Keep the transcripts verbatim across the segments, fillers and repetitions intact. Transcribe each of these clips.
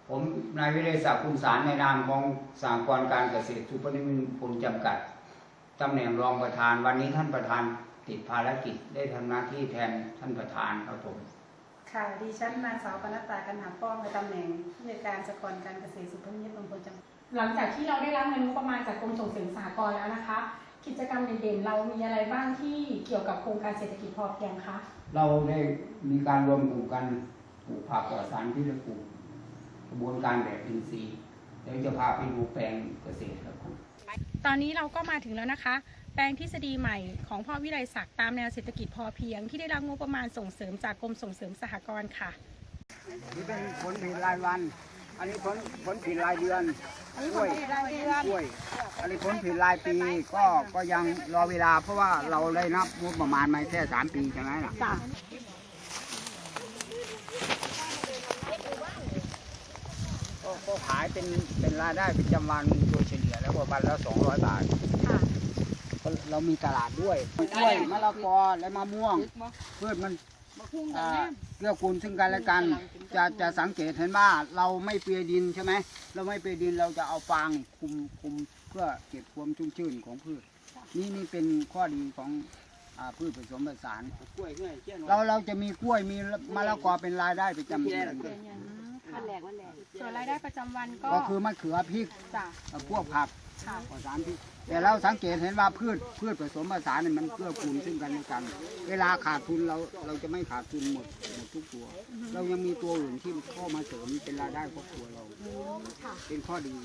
ผมนายวิเรศศักดิ์คุณสารในนามของสหกรณ์การเกษตรสุพรรณมิตรผลจำกัดตำแหน่งรองประธานวันนี้ท่านประธานติดภารกิจได้ทำหน้าที่แทนท่านประธานครับผมค่ะดิฉันนางสาวปนัสตากันหาป้องในตำแหน่งผู้จัดการสหกรณ์การเกษตรสุพรรณมิตรผลจำกัดหลังจากที่เราได้รับเงินงบประมาณจากกรมส่งเสริมสหกรณ์แล้วนะคะกิจกรรมเด่นๆเรามีอะไรบ้างที่เกี่ยวกับโครงการเศรษฐกิจพอเพียงคะเราได้มีการรวมกลุ่มกันปลูกผักปลอดสารพิษและปลูกกระบวนการแบบอินทรีย์เดี๋ยวจะพาไปดูแปลงเกษตรครับผมตอนนี้เราก็มาถึงแล้วนะคะแปลงทฤษฎีใหม่ของพ่อวิไลศักดิ์ตามแนวเศรษฐกิจพอเพียงที่ได้รับงบประมาณส่งเสริมจากกรมส่งเสริมสหกรณ์ค่ะนี่เป็นผลผลิตรายวันอันนี้ผลผลผลิตรายเดือนกล้วยกล้วยอันนี้ผลผลิตรายปีก็ก็ยังรอเวลาเพราะว่าเราได้นับงบประมาณมาแค่สามปีใช่ไหมล่ะก็ขายเป็นเป็นรายได้ประจำวันโดยเฉลี่ยแล้ววันละสองร้อยบาทเรามีตลาดด้วยกล้วยมะละกอและมะม่วงพืชมันเกื้อกูลซึ่งกันและกันจะจะสังเกตเห็นว่าเราไม่เปียดินใช่ไหมเราไม่เปียดินเราจะเอาฟางคุมคุมเพื่อเก็บความชุ่มชื้นของพืชนี่นี่เป็นข้อดีของพืชผสมผสานเราเราจะมีกล้วยมีมะละกอเป็นรายได้ประจำเดือนส่วนรายได้ประจำวันก็ก็คือมะเขือพริกพวกผักผสานพริกแต่เราสังเกตเห็นว่าพืชพืชผสมผสานเนี่ยมันเกื้อกูลซึ่งกันและกันเวลาขาดทุนเราเราจะไม่ขาดทุนหมดหมดทุกตัว เรายังมีตัวอื่นที่เข้ามาเสริมเป็นรายได้ครอบครัวเราเป็นข้อดี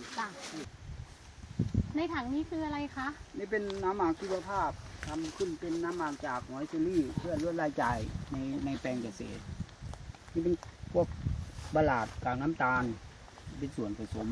ในถังนี้คืออะไรคะนี่เป็นน้ำหมักชีวภาพทำขึ้นเป็นน้ำหมักจากหอยเชอรี่เพื่อลดรายจ่ายในในแปลงเกษตรนี่เป็นพวกบะหลาดกากน้ำตาลเป็นส่วนผสม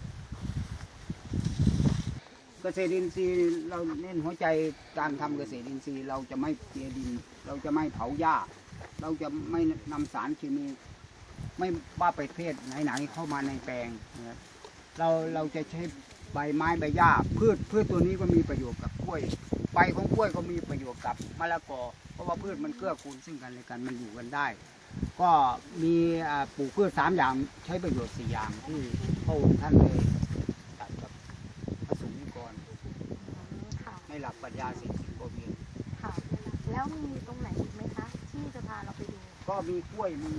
เกษตรอินทรีย์เราเน้นหัวใจการทำเกษตรอินทรีย์เราจะไม่เปียดินเราจะไม่เผาหญ้าเราจะไม่นำสารเคมีไม่ว่าประเภทไหนๆเข้ามาในแปลงนะเราเราจะใช้ใบไม้ใบหญ้าพืชพืชตัวนี้ก็มีประโยชน์กับกล้วยใบของกล้วยก็มีประโยชน์กับมะละกอเพราะว่าพืชมันเกื้อกูลซึ่งกันและกันมันอยู่กันได้ก็มีปลูกพืชสามอย่างใช้ประโยชน์สี่อย่างที่พระองค์ท่านได้ตัดกับพระสงฆ์นิกรในหลักปรัชญาเศรษฐกิจพอเพียงค่ะแล้วมีตรงไหนอีกไหมคะที่จะพาเราไปดูก็มีกล้วยมี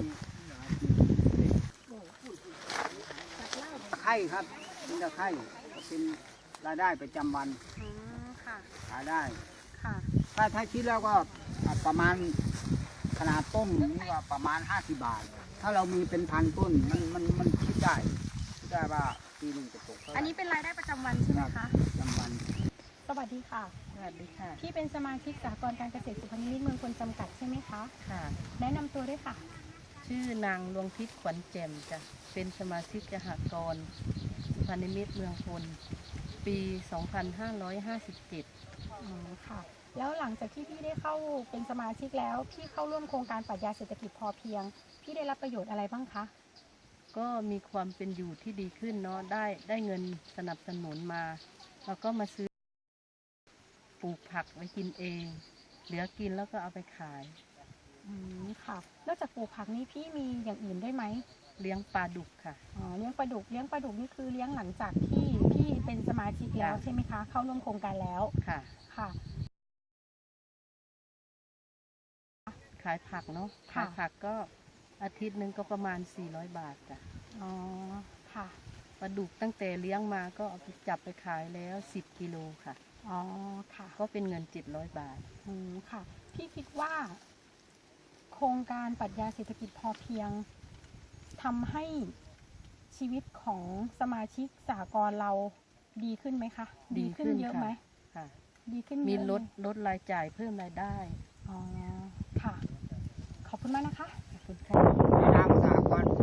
ไข่ครับมีตะไคร่เป็นรายได้ประจำวันขายได้ถ้าถ้าคิดแล้วก็ประมาณขนาดต้นนี่ว่าประมาณห้าสิบบาทถ้าเรามีเป็นพันต้นมันมันมันคิดได้คิดได้ว่าปีหนึ่งจะตกอันนี้เป็นรายได้ประจำวันใช่ไหมคะประจำวันสวัสดีค่ะสวัสดีค่ะพี่เป็นสมาชิกสหกรณ์การเกษตรสุพรรณมิตรเมืองพลจำกัดใช่ไหมคะค่ะแนะนำตัวด้วยค่ะชื่อนางดวงทิพย์ขวัญแจ่มจ้ะเป็นสมาชิกสหกรณ์สุพรรณมิตรเมืองพลปี สองพันห้าร้อยห้าสิบเจ็ดอ๋อค่ะแล้วหลังจากที่พี่ได้เข้าเป็นสมาชิกแล้วพี่เข้าร่วมโครงการปรัชญาเศรษฐกิจพอเพียงพี่ได้รับประโยชน์อะไรบ้างคะก็มีความเป็นอยู่ที่ดีขึ้นเนาะได้ได้เงินสนับสนุนมาแล้วก็มาซื้อปลูกผักไว้กินเองเหลือกินแล้วก็เอาไปขายอืมค่ะนอกจากปลูกผักนี้พี่มีอย่างอื่นได้ไหมเลี้ยงปลาดุกค่ะอ๋อเลี้ยงปลาดุกเลี้ยงปลาดุกนี่คือเลี้ยงหลังจากที่พี่เป็นสมาชิกแล้วใช่ไหมคะเข้าร่วมโครงการแล้วค่ะค่ะขายผักเนาะขายผักก็อาทิตย์หนึ่งก็ประมาณสี่ร้อยบาทจ้ะอ๋อค่ะปลาดุกตั้งแต่เลี้ยงมาก็เอาไปจับไปขายแล้วสิบกิโลค่ะอ๋อค่ะก็เป็นเงินเจ็ดร้อยบาทอืมค่ะพี่คิดว่าโครงการปรัชญาเศรษฐกิจพอเพียงทำให้ชีวิตของสมาชิกสหกรณ์เราดีขึ้นไหมคะดีขึ้นเยอะไหมค่ะดีขึ้นมีลดลดรายจ่ายเพิ่มรายได้อ๋อค่ะขอบคุณมากนะคะขอบคุณค่ะนามสหกรณ์